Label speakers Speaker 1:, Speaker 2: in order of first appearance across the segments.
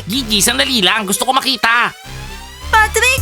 Speaker 1: Gigi, sandali lang. Gusto ko makita.
Speaker 2: Patrick!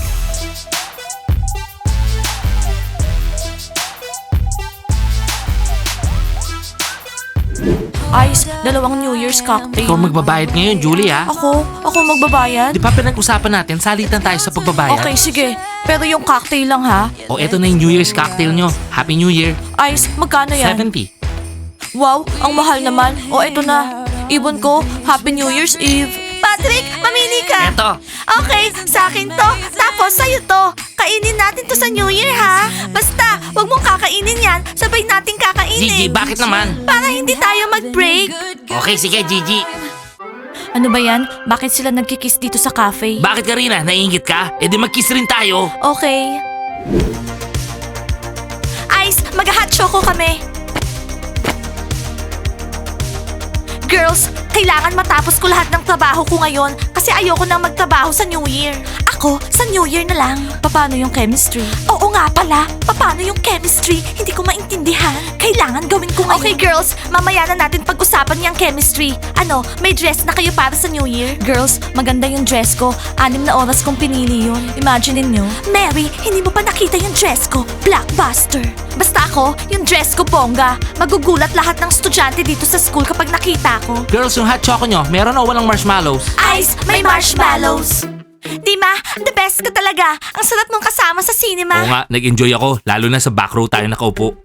Speaker 2: Ice, dalawang New Year's cocktail.
Speaker 1: Ikaw magbabayad ngayon, Julie, ha?
Speaker 2: Ako magbabayad?
Speaker 1: Di ba pinag-usapan natin, salitan tayo sa pagbabayad?
Speaker 2: Okay, sige. Pero yung cocktail lang ha.
Speaker 1: O eto na yung New Year's cocktail nyo. Happy New Year.
Speaker 2: Ice, magkano yan?
Speaker 1: 70.
Speaker 2: Wow, ang mahal naman. O eto na. Ibon ko, Happy New Year's Eve. Patrick, mamili ka.
Speaker 1: Eto.
Speaker 2: Okay, sa akin to. Tapos sa'yo to. Kainin natin to sa New Year ha. Basta, wag mong kakainin yan. Sabay natin kakainin.
Speaker 1: Gigi, bakit naman?
Speaker 2: Para hindi tayo mag-break.
Speaker 1: Okay, sige, Gigi.
Speaker 2: Ano ba yan? Bakit sila nagkikiss dito sa cafe?
Speaker 1: Bakit Karina? Naiingit ka? E di mag-kiss rin tayo.
Speaker 2: Okay. Ice, mag-hot choco kami. Girls, kailangan matapos ko lahat ng trabaho ko ngayon kasi ayoko nang magtrabaho sa New Year. Ako, sa New Year na lang. Paano yung chemistry? Oo nga pala. Paano yung chemistry? Hindi ko maintindihan. Kailangan gawin ko ngayon. Okay girls, mamaya na natin pag-usapan yung chemistry. Ano, may dress na kayo para sa New Year? Girls, maganda yung dress ko. 6 na oras kong pinili yun. Imagine nyo. Mary, hindi mo pa nakita yung dress ko. Blockbuster. Basta ako, yung dress ko bongga. Magugulat lahat ng estudyante dito sa school kapag nakita ko.
Speaker 1: Girls, yung hot choco nyo, meron o walang marshmallows?
Speaker 2: Ice, may marshmallows. Dima, the best ka talaga. Ang sarap mong kasama sa cinema.
Speaker 1: Oo nga, nag-enjoy ako. Lalo na sa back row tayo nakaupo.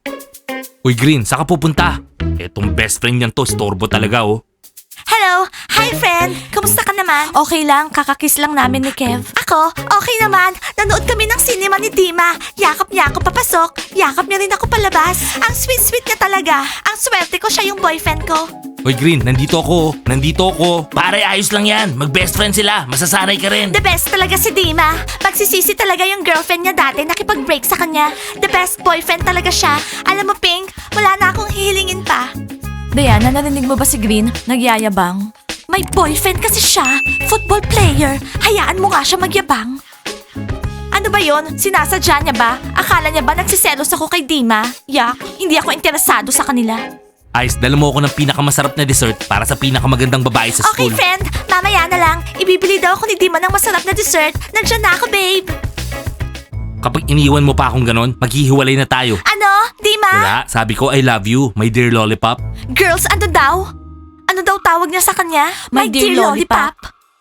Speaker 1: Uy, Green, saan ka pupunta? Etong best friend niyan to, storbo talaga oh.
Speaker 2: Hello! Hi, friend! Kamusta ka naman? Okay lang, kakakiss lang namin ni Kev. Ako? Okay naman. Nanood kami ng cinema ni Dima. Yakap niya ako papasok. Yakap niya rin ako palabas. Ang sweet-sweet niya talaga. Ang swerte ko siya yung boyfriend ko.
Speaker 1: Uy, Green, nandito ako. Nandito ako. Pare, ayos lang yan. Mag-best friend sila. Masasanay ka rin.
Speaker 2: The best talaga si Dima. Pagsisisi talaga yung girlfriend niya dati nakipag-break sa kanya. The best boyfriend talaga siya. Alam mo, Pink, wala na akong hihilingin pa. Diana, narinig mo ba si Green? Nagyayabang. May boyfriend kasi siya. Football player. Hayaan mo nga siya magyabang. Ano ba yon? Sinasadya niya ba? Akala niya ba nagsiselos ako kay Dima? Yak, hindi ako interesado sa kanila.
Speaker 1: Ice, dala mo ako ng pinakamasarap na dessert para sa pinakamagandang babae sa
Speaker 2: Okay,
Speaker 1: school.
Speaker 2: friend. Mamaya na lang. Ibibili daw ako ni Dima ng masarap na dessert. Nandiyan na ako, babe.
Speaker 1: Kapag iniwan mo pa akong ganon, maghihiwalay na tayo.
Speaker 2: Ano? Dima?
Speaker 1: Wala, sabi ko I love you, my dear lollipop.
Speaker 2: Girls, ano daw? Ano daw tawag niya sa kanya?
Speaker 3: My dear lollipop.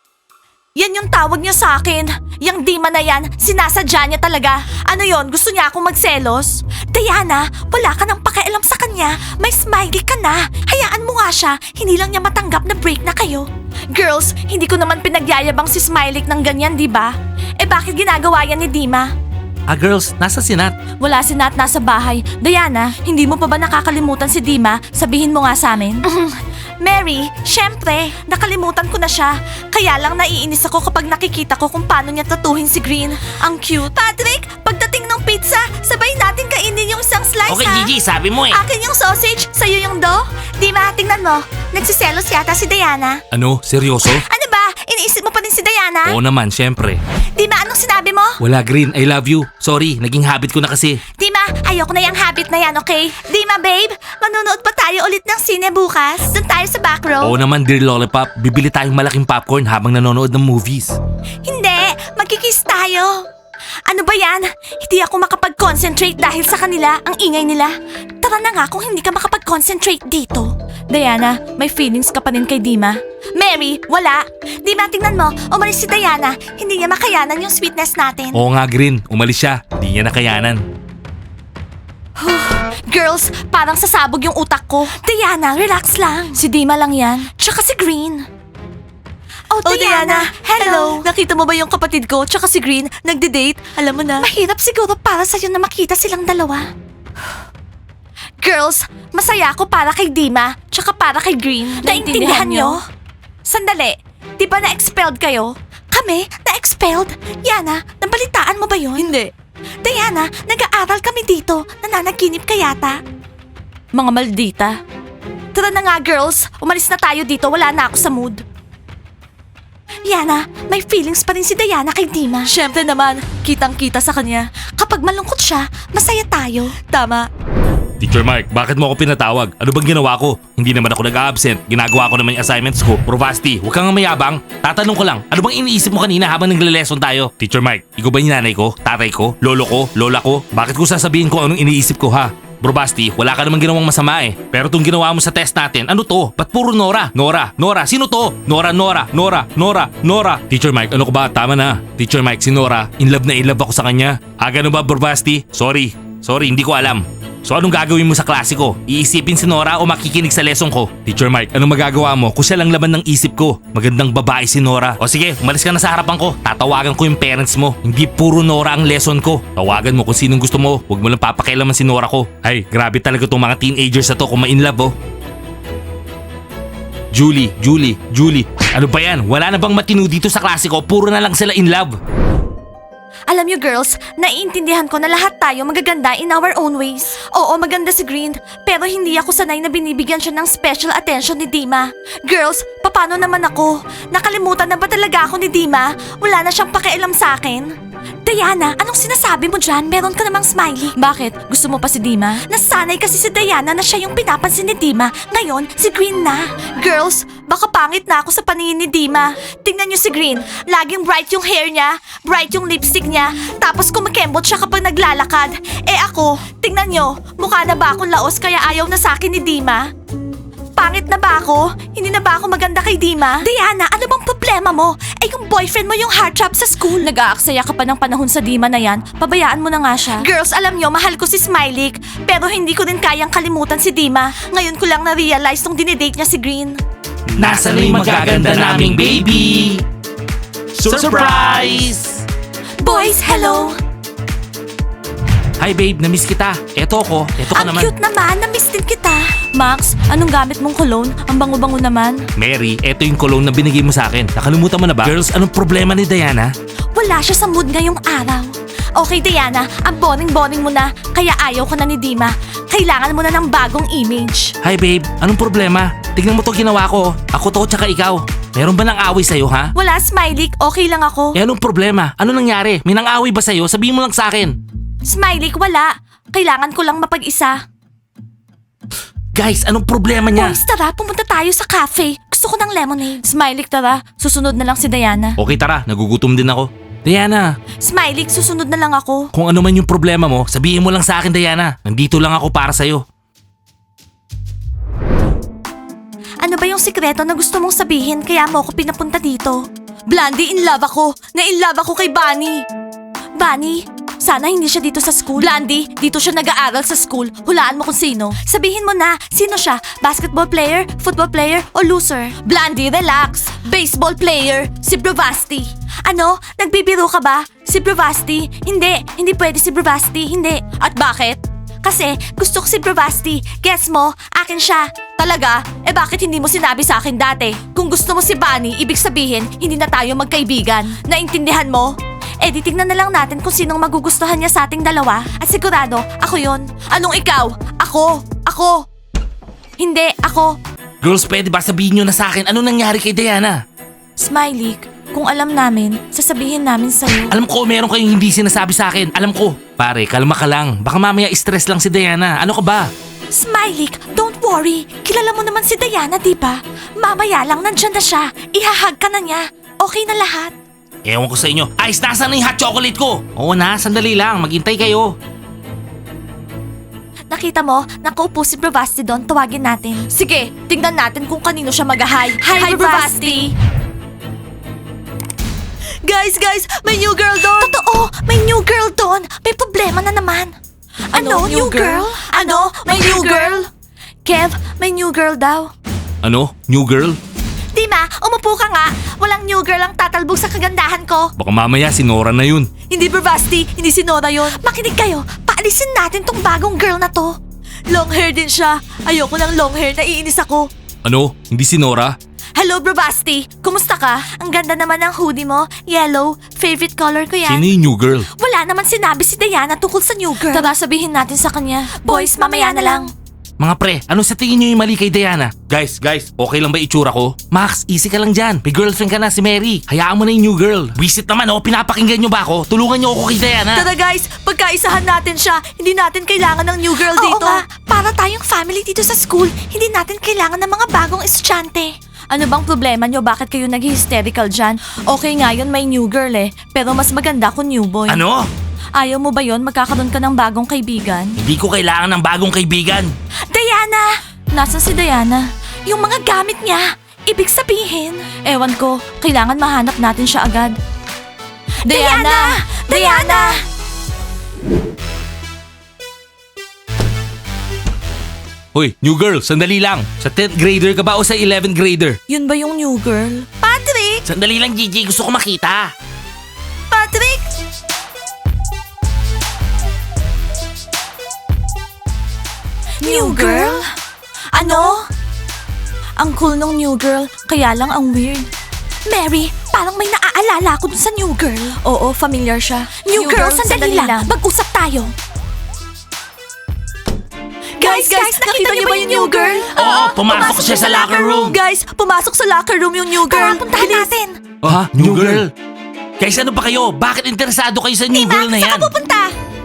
Speaker 2: Yan yung tawag niya sa akin. Yang Dima na yan, sinasadya niya talaga. Ano yon? Gusto niya akong magselos? Diana, wala ka nang pakialam sa kanya. May smiley ka na. Hayaan mo nga siya. Hindi lang niya matanggap na break na kayo. Girls, hindi ko naman pinagyayabang si Smiley ng ganyan, di ba? Eh bakit ginagawa yan ni Dima?
Speaker 1: Ah girls, nasa sinat.
Speaker 2: Wala si Nat nasa bahay. Diana, hindi mo pa ba nakakalimutan si Dima? Sabihin mo nga sa amin. Mary, syempre, nakalimutan ko na siya. Kaya lang naiinis ako kapag nakikita ko kung paano niya tatuhin si Green. Ang cute. Patrick, pagdating ng pizza, sabay natin kainin yung isang slice
Speaker 1: Okay,
Speaker 2: ha?
Speaker 1: Gigi, sabi mo eh.
Speaker 2: Akin yung sausage, sa'yo yung dough. Dima, tingnan mo. Nagsiselos yata si Diana.
Speaker 1: Ano? Seryoso?
Speaker 2: Ano ba? Iniisip mo pa rin si Diana?
Speaker 1: Oo naman, syempre.
Speaker 2: Dima, anong sinabi mo?
Speaker 1: Wala Green, I love you. Sorry, naging habit ko na kasi.
Speaker 2: Dima, ayoko na yung habit na yan, okay? Dima, babe, manonood pa tayo ulit ng sine bukas? Doon tayo sa back row?
Speaker 1: Oo naman, dear lollipop. Bibili tayong malaking popcorn habang nanonood ng movies.
Speaker 2: Hindi, magkikiss tayo. Ano ba yan? Hindi ako makapag-concentrate dahil sa kanila, ang ingay nila. Tara na nga kung hindi ka makapag-concentrate dito. Diana, may feelings ka pa rin kay Dima? Mary, wala. Dima, tingnan mo, umalis si Diana. Hindi niya makayanan yung sweetness natin.
Speaker 1: Oo nga Green, umalis siya. Di niya nakayanan.
Speaker 2: Girls, parang sasabog yung utak ko. Diana, relax lang. Si Dima lang yan. Tsaka si Green. Oh, Diana. Hello. Nakita mo ba yung kapatid ko tsaka si Green nagde-date? Alam mo na. Mahirap siguro para sa'yo na makita silang dalawa. Girls, masaya ako para kay Dima tsaka para kay Green. Naintindihan nyo? Sandali, di ba na-expelled kayo? Kami? Na-expelled? Yana, nabalitaan mo ba yun? Hindi. Diana, nag-aaral kami dito. Nananaginip ka yata. Mga maldita. Tara na nga girls, umalis na tayo dito. Wala na ako sa mood. Yana, may feelings pa rin si Diana kay Dima. Siyempre naman, kitang-kita sa kanya. Kapag malungkot siya, masaya tayo. Tama.
Speaker 1: Teacher Mike, bakit mo ako pinatawag? Ano bang ginawa ko? Hindi naman ako nag-absent. Ginagawa ko naman yung assignments ko. Provasti, huwag kang mayabang. Tatanong ko lang, ano bang iniisip mo kanina habang nagle-lesson tayo? Teacher Mike, ikaw ba yung nanay ko? Tatay ko? Lolo ko? Lola ko? Bakit ko sasabihin ko anong iniisip ko ha? Bro Basti, wala ka namang ginawang masama eh. Pero itong ginawa mo sa test natin, ano to? Ba't puro Nora? Nora? Sino to? Nora. Teacher Mike, ano ko ba? Tama na. Teacher Mike, si Nora, in love ako sa kanya. Ganun ba, Bro Basti? Sorry, hindi ko alam. So anong gagawin mo sa klase ko? Iisipin si Nora o makikinig sa lesson ko? Teacher Mike, anong magagawa mo kung siya lang laman ng isip ko? Magandang babae si Nora. O sige, umalis ka na sa harapan ko. Tatawagan ko yung parents mo. Hindi puro Nora ang lesson ko. Tawagan mo kung sinong gusto mo. Huwag mo lang papakialaman si Nora ko. Ay, grabe talaga tong mga teenagers na to kung ma-in love oh. Julie. Ano ba yan? Wala na bang matino dito sa klase ko? Puro na lang sila in love.
Speaker 2: Alam niyo girls, naiintindihan ko na lahat tayo magaganda in our own ways. Oo, maganda si Green, pero hindi ako sanay na binibigyan siya ng special attention ni Dima. Girls, paano naman ako? Nakalimutan na ba talaga ako ni Dima? Wala na siyang pakialam sa akin. Diana, anong sinasabi mo dyan? Meron ka namang smiley. Bakit? Gusto mo pa si Dima? Nasanay kasi si Diana na siya yung pinapansin ni Dima. Ngayon, si Green na. Girls, baka pangit na ako sa paningin ni Dima. Tingnan niyo si Green. Laging bright yung hair niya, bright yung lipstick niya, tapos kumakembot siya kapag naglalakad. Eh ako, tingnan niyo, mukha na ba akong laos kaya ayaw na sa akin ni Dima? Pangit na ba ako? Hindi na ba ako maganda kay Dima? Diana, ano bang problema mo? Eh yung boyfriend mo yung heartthrob sa school. Nag-aaksaya ka pa ng panahon sa Dima na yan. Pabayaan mo na nga siya. Girls, alam nyo, mahal ko si Smiley. Pero hindi ko rin kayang kalimutan si Dima. Ngayon ko lang na-realize nung dinidate niya si Green.
Speaker 1: Nasaan na yung magaganda naming baby? Surprise!
Speaker 2: Boys, hello!
Speaker 1: Hi babe, namiss kita. Eto ako. Eto ka
Speaker 2: Ang
Speaker 1: naman.
Speaker 2: cute naman, na-miss din kita. Max, anong gamit mong cologne? Ang bango-bango naman.
Speaker 1: Mary, eto yung cologne na binigay mo sa akin. Nakalimutan mo na ba? Girls, anong problema ni Diana?
Speaker 2: Wala siya sa mood ngayong araw. Okay, Diana, ang boring-boring mo na, kaya ayaw ko na ni Dima. Kailangan mo na ng bagong image.
Speaker 1: Hi babe, anong problema? Tignan mo to ginawa ko. Ako to tsaka ikaw. Meron ba nang away sa'yo ha?
Speaker 2: Wala, Smiley, okay lang ako.
Speaker 1: Eh anong problema? Ano nangyari? May nang away ba sa'yo? Sabihin mo lang sa akin.
Speaker 2: Smiley, wala. Kailangan ko lang mapag-isa.
Speaker 1: Guys, anong problema niya?
Speaker 2: Boys, tara, pumunta tayo sa cafe. Gusto ko ng lemonade. Smiley, tara. Susunod na lang si Diana.
Speaker 1: Okay tara, nagugutom din ako. Diana,
Speaker 2: Smiley, susunod na lang ako.
Speaker 1: kung ano man yung problema mo, sabihin mo lang sa akin Diana. Nandito lang ako para sa'yo.
Speaker 2: Ano ba yung sikreto na gusto mong sabihin kaya mo ako pinapunta dito? Blondie, in love ako. Na-in love ako kay Bunny. Bunny? Sana hindi siya dito sa school. Blondie, dito siya nag-aaral sa school. Hulaan mo kung sino. Sabihin mo na, sino siya? Basketball player, football player, o loser? Blondie, relax. Baseball player, si Bravasti. Ano? Nagbibiro ka ba? Si Bravasti? Hindi pwede si Bravasti, hindi. At bakit? Kasi gusto ko si Bravasti. Guess mo, akin siya. Talaga? Eh bakit hindi mo sinabi sa akin dati? Kung gusto mo si Bunny, ibig sabihin, hindi na tayo magkaibigan. Naintindihan mo? Eh di tignan na lang natin kung sinong magugustuhan niya sa ating dalawa. At sigurado, ako yon. Anong ikaw? Ako. Hindi, ako.
Speaker 1: Girls, pwede ba sabihin nyo na sa akin ano nangyari kay Diana?
Speaker 2: Smiley, kung alam namin, sasabihin namin sa'yo.
Speaker 1: Alam ko meron kayong hindi sinasabi sa akin. Alam ko. Pare, kalma ka lang. Baka mamaya stress lang si Diana. Ano ka ba?
Speaker 2: Smiley, don't worry. Kilala mo naman si Diana, di ba? Mamaya lang nandyan na siya. Ihahag ka na niya. Okay na lahat.
Speaker 1: Ewan ko sa inyo. Ice, nasaan na yung hot chocolate ko? Oo na, sandali lang. Maghintay kayo.
Speaker 2: Nakita mo, nakaupo si Bravasti doon. Tawagin natin. Sige, tingnan natin kung kanino siya mag-hi. Hi, Bravasti! Guys, may new girl doon! Totoo! May new girl doon! May problema na naman! Ano? New girl? Ano? May new girl? Kev, may new girl daw.
Speaker 1: Ano? New girl?
Speaker 2: Dima, umupo ka nga. Walang new girl ang tatalbog sa kagandahan ko.
Speaker 1: Baka mamaya si Nora na yun.
Speaker 2: Hindi Bravasti, hindi si Nora yun. Makinig kayo, paalisin natin tong bagong girl na to. Long hair din siya. Ayoko ng long hair, naiinis ako.
Speaker 1: Ano? Hindi si Nora?
Speaker 2: Hello Bravasti, kumusta ka? Ang ganda naman ng hoodie mo, yellow. Favorite color ko yan.
Speaker 1: Sino yung new girl?
Speaker 2: Wala naman sinabi si Diana tungkol sa new girl. Tara, sabihin natin sa kanya. Boys, mamaya na lang.
Speaker 1: Mga pre, ano sa tingin nyo yung mali kay Diana? Guys, okay lang ba itsura ko? Max, easy ka lang dyan. May girlfriend ka na, si Mary. Hayaan mo na yung new girl. Visit naman oh, pinapakinggan nyo ba ako? Tulungan nyo ako kay Diana.
Speaker 2: Tara guys, pagkaisahan natin siya. Hindi natin kailangan ng new girl dito. Oo nga, para para tayong family dito sa school, hindi natin kailangan ng mga bagong estudyante. Ano bang problema nyo? Bakit kayo nag-hysterical dyan? Okay nga yun, may new girl eh. Pero mas maganda kung new boy.
Speaker 1: Ano?
Speaker 2: Ayaw mo ba yon? Magkakaroon ka ng bagong kaibigan?
Speaker 1: Hindi ko kailangan ng bagong kaibigan.
Speaker 2: Diana! Nasaan si Diana? Yung mga gamit niya. Ibig sabihin. Ewan ko, kailangan mahanap natin siya agad. Diana! Diana!
Speaker 1: Hoy, new girl, sandali lang. Sa 10th grader ka ba o sa 11th grader?
Speaker 2: Yun ba yung new girl? Patrick!
Speaker 1: Sandali lang, Gigi. Gusto ko makita.
Speaker 2: Patrick! New girl? Ano? Ang cool nung new girl, kaya lang ang weird. Mary, parang may naaalala ko dun sa new girl. Oo, familiar siya. New girl, sandali lang. Mag-usap tayo. Guys, nakita niyo ba yung new girl?
Speaker 1: Oo, pumasok siya sa locker room.
Speaker 2: Guys, pumasok sa locker room yung new girl. Tara, puntahan natin.
Speaker 1: Ha? New girl? Guys, ano ba kayo? Bakit interesado kayo sa new girl na yan?
Speaker 2: Saan ka pupunta?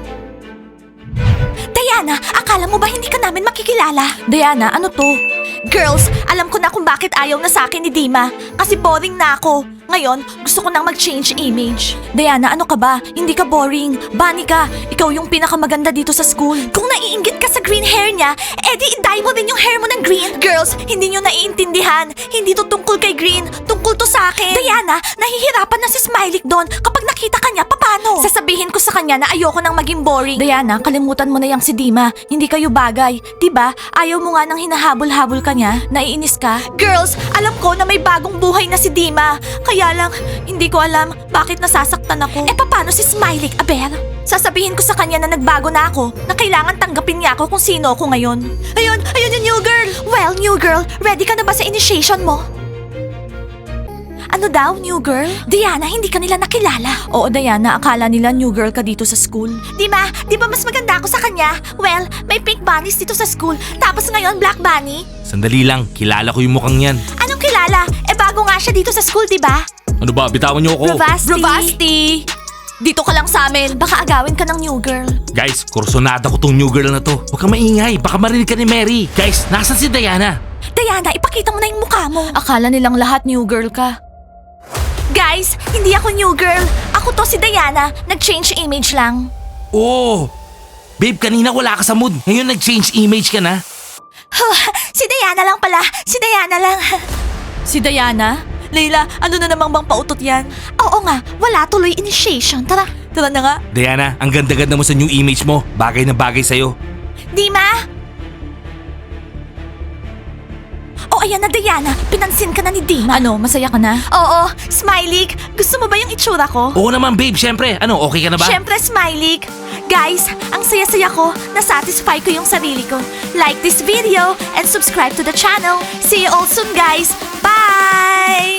Speaker 2: Diana, akala mo ba hindi ka namin makikilala? Diana, ano to? Girls, alam ko na kung bakit ayaw na sa akin ni Dima. Kasi boring na ako. Ngayon, gusto ko nang mag-change image. Diana, ano ka ba? Hindi ka boring. Bunny ka. Ikaw yung pinakamaganda dito sa school. Kung naiinggit ka sa green hair niya, edi i-dye mo din yung hair mo ng green. Girls, hindi nyo naiintindihan. Hindi to tungkol kay green. Tungkol to sa akin. Diana, nahihirapan na si Smiley doon. Kapag nakita ka niya, paano? Sasabihin ko sa kanya na ayoko nang maging boring. Diana, kalimutan mo na yang si Dima. Hindi kayo bagay. Diba? Ayaw mo nga nang hinahabol-habol ka niya. Naiinis ka? Girls, alam ko na may bagong buhay na si Dima. Kaya lang, hindi ko alam bakit nasasaktan ako. Paano si Smiley, Aber? Sasabihin ko sa kanya na nagbago na ako, na kailangan tanggapin niya ako kung sino ako ngayon. Ayun yung new girl! Well, new girl, ready ka na ba sa initiation mo? Ano daw, new girl? Diana, hindi ka nila nakilala. Oo, Diana, akala nila new girl ka dito sa school. Di ba mas maganda ako sa kanya? Well, may pink bunnies dito sa school, tapos ngayon black bunny.
Speaker 1: Sandali lang, kilala ko yung mukhang yan.
Speaker 2: Anong kilala? Bago nga siya dito sa school, di ba?
Speaker 1: Ano ba? Bitawan niyo ako.
Speaker 2: Bravasti! Dito ka lang sa amin. Baka agawin ka ng new girl.
Speaker 1: Guys, kursonada ko tong new girl na to. Huwag kang maingay, baka marinig ka ni Mary. Guys, nasan si Diana?
Speaker 2: Diana, ipakita mo na yung mukha mo. Akala nilang lahat new girl ka. Guys, hindi ako new girl. Ako to si Diana. Nag-change image lang.
Speaker 1: Oh! Babe, kanina wala ka sa mood. Ngayon nag-change image ka na.
Speaker 2: Si Diana lang pala. Si Diana lang. Si Diana? Leila, ano na namang bang pautot yan? Oo nga, wala tuloy initiation. Tara na nga.
Speaker 1: Diana, ang ganda-ganda mo sa new image mo. Bagay na bagay sa'yo.
Speaker 2: Dima? Oh, ayan na Diana. Pinansin ka na ni Dima. Ano, masaya ka na? Oo. Smiley, gusto mo ba yung itsura ko?
Speaker 1: Oo naman babe, syempre. Ano, okay ka na ba?
Speaker 2: Syempre, Smiley. Guys, ang saya-saya ko. Nasatisfy ko yung sarili ko. Like this video and subscribe to the channel. See you all soon, guys. Bye!